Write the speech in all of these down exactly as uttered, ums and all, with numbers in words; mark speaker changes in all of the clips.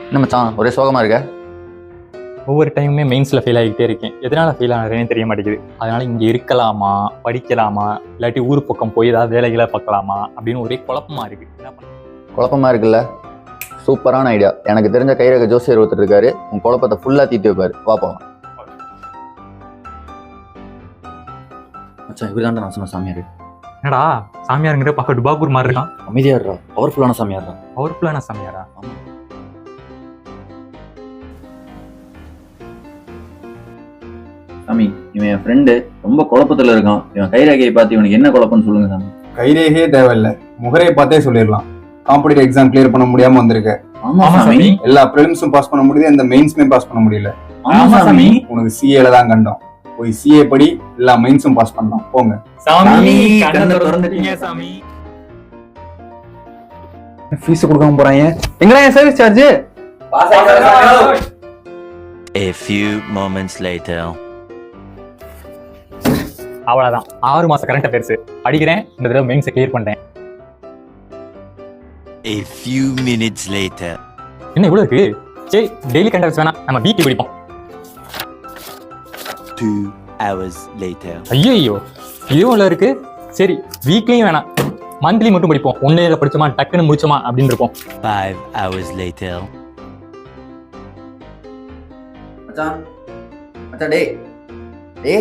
Speaker 1: என்ன மச்சான் ஒரே சோகமாக இருக்க?
Speaker 2: ஒவ்வொரு டைமுமே மெயின்ஸில் ஃபெயில் ஆகிக்கிட்டே இருக்கேன். எதனால் ஃபெயில் ஆகிறேன்னு தெரிய மாட்டேங்குது. அதனால் இங்கே இருக்கலாமா, படிக்கலாமா, இல்லாட்டி ஊர் பக்கம் போய் ஏதாவது வேலைகளை பார்க்கலாமா அப்படின்னு ஒரே குழப்பமாக இருக்குது. என்ன பண்ண
Speaker 1: குழப்பமாக இருக்குல்ல? சூப்பரான ஐடியா. எனக்கு தெரிஞ்ச கைரக ஜோசியர் ஒருத்தர் இருக்காரு. உன் குழப்பத்தை ஃபுல்லாக தீர்த்து வைப்பாரு. வா போகலாம். மச்சான் இவர் தான் நான் சொன்ன சாமியார்.
Speaker 2: என்னடா சாமியாருங்கிற பார்க்க டுபாகூர் மாதிரி இருக்கான்.
Speaker 1: அமைதியாடுறா, பவர்ஃபுல்லான சாமியார்ரா.
Speaker 2: பவர்ஃபுல்லான சாமியாரா?
Speaker 1: சாமி, இவன் என் ஃப்ரெண்டு, ரொம்ப குழப்பத்துல இருக்கான். இவன் கைரேகையை பார்த்து இவனுக்கு என்ன குழப்பம்னு சொல்லுங்க சாமி.
Speaker 3: கைரேகையே தேவையில்லை, முகரையை பார்த்தே சொல்லிடலாம். காம்படிட்டிவ் எக்ஸாம் கிளியர் பண்ண முடியாம வந்திருக்க.
Speaker 1: ஆமா சாமி.
Speaker 3: எல்லா பிரிலிம்ஸும் பாஸ் பண்ண முடியுது, இந்த மெயின்ஸுமே பாஸ் பண்ண முடியல.
Speaker 1: ஆமா சாமி.
Speaker 3: உனக்கு சிஏல தான் கண்டோம். போய் சிஏ படி, எல்லா மெயின்ஸும் பாஸ் பண்ணலாம். போங்க
Speaker 2: சாமி. கண்ணை திறந்துட்டீங்க சாமி.
Speaker 3: ஃபீஸ் கொடுக்காம போறாங்க. எங்கடா என் service charge?
Speaker 4: A few moments later.
Speaker 2: அவ்வளவுதான், ஆறு மாசம் கரண்ட் அஃபேர்ஸ் படிக்கிறேன். இந்த தடவை மெயின்ஸை கிளியர் பண்றேன்.
Speaker 4: A few minutes later.
Speaker 2: என்ன இவ்வளவு இருக்கு? சரி, டெய்லி கரண்ட் அஃபேர்ஸ் வேணாம், நம்ம வீக்லி படிப்போம்.
Speaker 4: Two hours later.
Speaker 2: ஐயோ, இதுவும் உள்ள இருக்கு. சரி, வீக்லியும் வேணாம், மந்த்லி மட்டும் படிப்போம். ஒன்னு படிச்சோமா டக்குன்னு முடிச்சோமா அப்படின்னு இருப்போம்.
Speaker 4: Five hours later.
Speaker 1: மச்சான் மச்சான் டேய் டேய்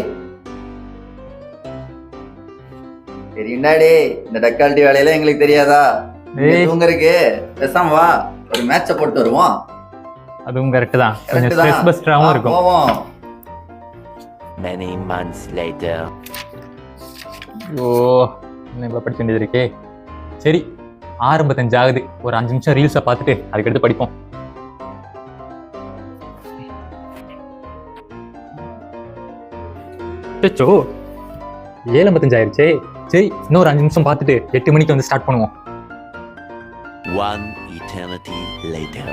Speaker 1: தெரியும்டா டேய், இந்த டக்காலிட்டி வேலையெல்லாம் எங்களுக்கு தெரியாதா? தூங்கறதுக்கு பேசாம வா, ஒரு மேட்சை போட்டு வருவோம்.
Speaker 2: அதுவும் கரெக்ட் தான், கொஞ்சம் ஸ்ட்ரெஸ் பஸ்டராவும் இருக்கும்.
Speaker 1: போவோம்.
Speaker 4: Many months later.
Speaker 2: ஓ, என்ன இவ்வளோ படிக்க வேண்டியது இருக்கே. சரி, ஆரம்பத்தஞ்சு ஆகுது. ஒரு அஞ்சு நிமிஷம் ரீல்ஸை பார்த்துட்டு அதுக்கடுத்து படிப்போம். சோ ஏழு ஐம்பத்தஞ்சு ஆயிடுச்சே. சரி, இன்னொரு அஞ்சு நிமிஷம் பார்த்துட்டு எட்டு மணிக்கு வந்து ஸ்டார்ட் பண்ணுவோம்.
Speaker 4: One eternity later.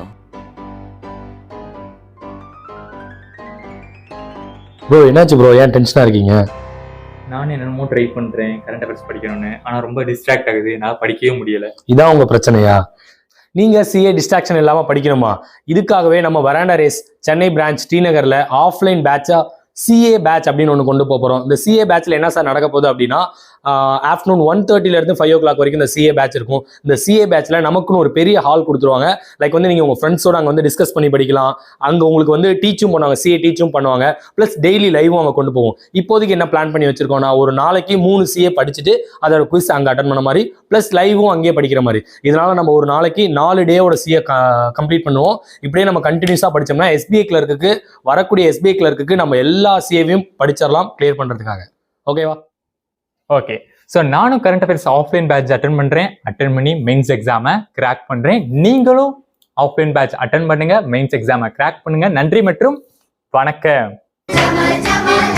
Speaker 5: ப்ரோ என்னாச்சு ப்ரோ, ஏன் டென்ஷனாக இருக்கீங்க?
Speaker 2: நானும் என்னென்னமோ ட்ரை பண்ணுறேன் கரண்ட் அஃபேர்ஸ் படிக்கணும்னு, ஆனால் ரொம்ப டிஸ்ட்ராக்ட் ஆகுது, என்னால் படிக்கவே முடியலை.
Speaker 5: இதான் உங்கள் பிரச்சனையா? நீங்கள் சிஏ டிஸ்ட்ராக்ஷன் இல்லாமல் படிக்கணுமா? இதுக்காகவே நம்ம வராண்டா ரேஸ் சென்னை பிரான்ச் ஸ்ரீநகரில் ஆஃப்லைன் பேட்சா சிஏ பேட்ச் அப்படின்னு ஒன்று கொண்டு போக போகிறோம். இந்த சிஏ பேட்சில் என்ன சார் நடக்க போகுது அப்படின்னா, ஆஃப்டர்நூன் ஒன் தேர்ட்டிலேருந்து ஃபைவ் ஓ கிளாக் வரைக்கும் இந்த சிஏ பேட்ச் இருக்கும். இந்த சிஏ பேட்சில் நமக்குன்னு ஒரு பெரிய ஹால் கொடுத்துருவாங்க. லைக் வந்து நீங்கள் உங்கள் ஃப்ரெண்ட்ஸோட அங்கே வந்து டிஸ்கஸ் பண்ணி படிக்கலாம். அங்கே உங்களுக்கு வந்து டீச்சும் பண்ணுவாங்க, சிஏ டீச்சும் பண்ணுவாங்க. ப்ளஸ் டெய்லி லைவும் அங்கே கொண்டு போவோம். இப்போதைக்கு என்ன பிளான் பண்ணி வச்சிருக்கோம்னா, ஒரு நாளைக்கு மூணு சிஏ படிச்சுட்டு அதோட குவிஸ் அங்கே அட்டன் பண்ண மாதிரி, ப்ளஸ் லைவும் அங்கேயே படிக்கிற மாதிரி. இதனால நம்ம ஒரு நாளைக்கு நாலு டேவோட சிஏ கம்ப்ளீட் பண்ணுவோம். இப்படியே நம்ம கண்டினியூஸாக படித்தோம்னா எஸ்பிஐ கிளர்க்கு வரக்கூடிய எஸ்பிஐ கிளர்க்கு நம்ம எல்லா சிஏவையும் படிச்சிடலாம் கிளியர் பண்ணுறதுக்காக. ஓகேவா?
Speaker 2: ஓகே, ஸோ நானும் current affairs offline batch attend பண்ணுறேன். அட்டன் பண்ணி மெயின்ஸ் எக்ஸாமை கிராக் பண்ணுறேன். நீங்களும் ஆஃப்லைன் பேட்ச் அட்டன் பண்ணுங்க, மெயின்ஸ் எக்ஸாமை கிராக் பண்ணுங்க. நன்றி மற்றும் வணக்கம்.